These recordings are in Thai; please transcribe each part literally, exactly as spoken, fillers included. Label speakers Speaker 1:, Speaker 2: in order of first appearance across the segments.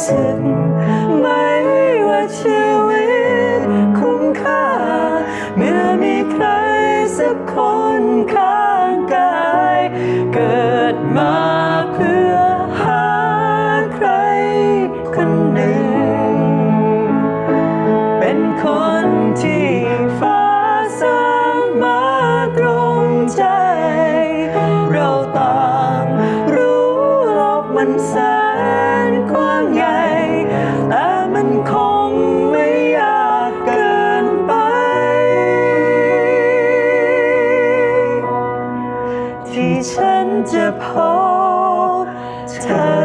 Speaker 1: สึกไหมว่าชีวิตคุ้มค่าเมื่อมีใครสักคนข้างกายเกิดมาเพื่อหาใครคนหนึ่งเป็นคนที่ฟ้าสร้างมาตรงใจเราต่างรู้โลกมันแสนกว้างใหญ่แต่มันคงไม่ยากเกินไปที่ฉันจะพบเธอ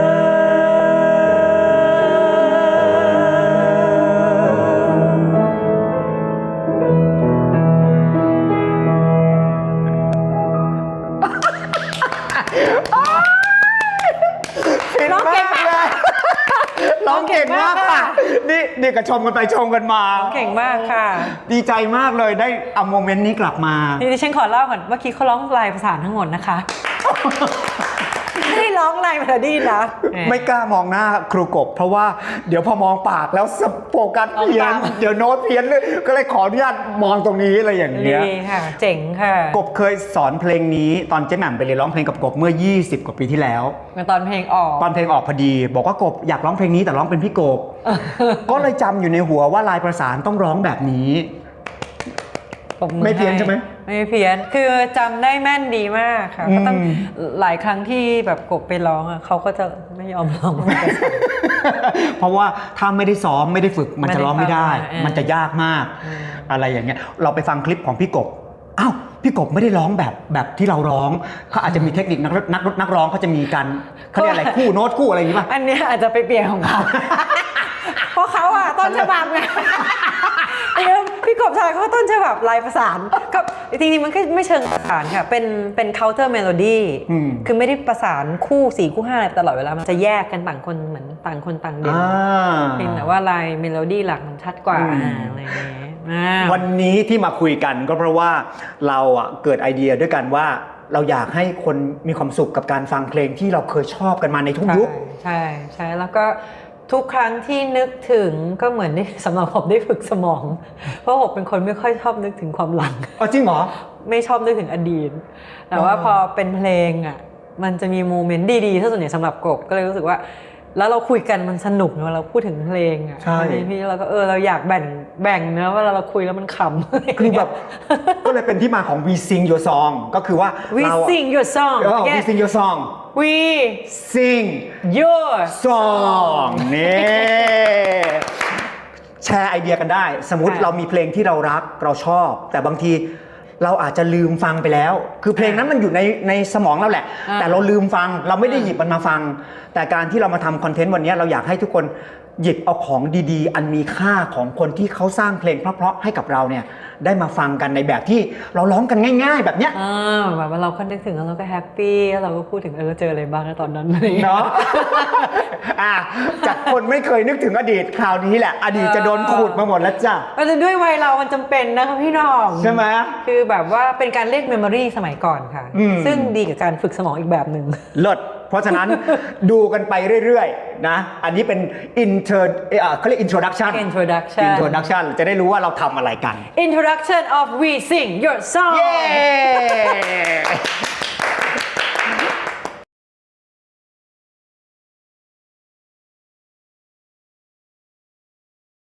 Speaker 2: ร้องเก่งมากเลยร้องเก่งมากค่ะนี่นี่ก็ชมกันไปชมกันมา
Speaker 1: เก่งมากค่ะ
Speaker 2: ดีใจมากเลยได้เอาโมเมนต์นี้กลับมา
Speaker 1: ดิฉันขอเล่าก่อนเมื่อกี้เขาร้องลายประสานทั้งหมดนะคะไม่ได้ร้องลายเมโลดี้นะ
Speaker 2: ไม่กล้ามองหน้าครูกบเพราะว่าเดี๋ยวพอมองปากแล้วโฟกัสเพี้ยนเดี๋ยวโน้ตเพี้ยนเลยก็เลยขออนุญาตมองตรงนี้อะไรอย่างเงี้ย
Speaker 1: ดีค่ะเจ๋งค่ะ
Speaker 2: กบเคยสอนเพลงนี้ตอนเจ๊แหม่มไปเรียนร้องเพลงกับกบเมื่อยี่สิบกว่าปีที่แล้ว
Speaker 1: ตอนเพลงออก
Speaker 2: ตอนเพลงออกพอดีบอกว่ากบอยากร้องเพลงนี้แต่ร้องเป็นพี่กบก็เลยจำอยู่ในหัวว่าลายประสานต้องร้องแบบนี้ไม่เพี้ยนใช่ไหม
Speaker 1: ไม่เพี้ยนคือจำได้แม่นดีมากค่ะก็ต้องหลายครั้งที่แบบกบไปร้องอ่ะเขาก็จะไม่ยอมร้อง
Speaker 2: เพราะว่าถ้าไม่ได้ซ้อมไม่ได้ฝึกมันจะร้องไม่ได้มันจะยากมากอะไรอย่างเงี้ยเราไปฟังคลิปของพี่กบอ้าวพี่กบไม่ได้ร้องแบบแบบที่เราร้องเขาอาจจะมีเทคนิคนักนักนักร้องเขาจะมีการเขาเรียกอะไรคู่โน้ตคู่อะไรอย่างงี้ป่ะ
Speaker 1: อันนี้อาจจะไปเปลี่ยนของเขาเพราะเขาอ่ะต้นฉบับไงพี่กบชายเขาต้นฉบับลายประสานกับจริงๆมันก็ไม่เชิงประสานค่ะเป็นเป็น counter melody คือไม่ได้ประสานคู่สี่คู่ห้าอะไรตลอดเวลามันจะแยกกันต่างคนเหมือนต่างคนต่างเด่นเพียงแต่ว่าลายเมโลดี้หลักมันชัดกว่าอะไรอย่างเงี้ย
Speaker 2: วันนี้ที่มาคุยกันก็เพราะว่าเราอ่ะเกิดไอเดียด้วยกันว่าเราอยากให้คนมีความสุขกับการฟังเพลงที่เราเคยชอบกันมาในทุกยุค
Speaker 1: ใช่ใช่แล้วก็ทุกครั้งที่นึกถึงก็เหมือนได้สำหรับผมได้ฝึกสมองเพราะผมเป็นคนไม่ค่อยชอบนึกถึงความหลัง
Speaker 2: อ๋อจริงเหรอ
Speaker 1: ไม่ชอบนึกถึงอดีตแต่ว่าพอเป็นเพลงอ่ะมันจะมีโมเมนต์ดีๆถ้าส่วนใหญ่สำหรับกบก็เลยรู้สึกว่าแล้วเราคุยกันมันสนุกเวลาเราพูดถึงเพลงอ่ะ
Speaker 2: ใช่
Speaker 1: พี่เราก็เออเราอยากแบ่งแบ่งเนื้อว่าเราคุยแล้วมันขำ
Speaker 2: คือแบบก็เลยเป็นที่มาของ We Sing Your Song ก็คือว่า
Speaker 1: We Sing Your Song
Speaker 2: We Sing Your Song
Speaker 1: We
Speaker 2: Sing
Speaker 1: Your
Speaker 2: Song นี่แชร์ไอเดียกันได้สมมุติเรามีเพลงที่เรารักเราชอบแต่บางทีเราอาจจะลืมฟังไปแล้วคือเพลงนั้นมันอยู่ในในสมองเราแหละแต่เราลืมฟังเราไม่ได้หยิบมันมาฟังแต่การที่เรามาทำคอนเทนต์วันนี้เราอยากให้ทุกคนหยิบเอาของดีๆอันมีค่าของคนที่เขาสร้างเพลงเพราะๆให้กับเราเนี่ยได้มาฟังกันในแบบที่เราร้องกันง่ายๆแบบเนี้ย
Speaker 1: อ่าแบบว่าเราก็นึกถึงแล้วเราก็แฮปปี้แล้วเราก็พูดถึงเออเจออะไรบ้างตอนนั้น
Speaker 2: เนาะอ่ะจากคนไม่เคยนึกถึงอดีตคราวนี้แหละอดีตจะโดนขูดมาหมดแล้วจ้ะ
Speaker 1: แต่ด้วยวัยเรามันจำเป็นนะคะพี่น้อง
Speaker 2: ใช่ไหม
Speaker 1: คือแบบว่าเป็นการเรียกเมมโมรีสมัยก่อนค่ะซึ่งดีกับการฝึกสมองอีกแบบหนึ่ง
Speaker 2: เลิศเพราะฉะนั้นดูกันไปเรื่อยๆนะอันนี้เป็น inter เอ่อเขาเรียก introduction
Speaker 1: introduction
Speaker 2: introduction จะได้รู้ว่าเราทำอะไรกัน
Speaker 1: introduction of We Sing Your Song
Speaker 2: เย้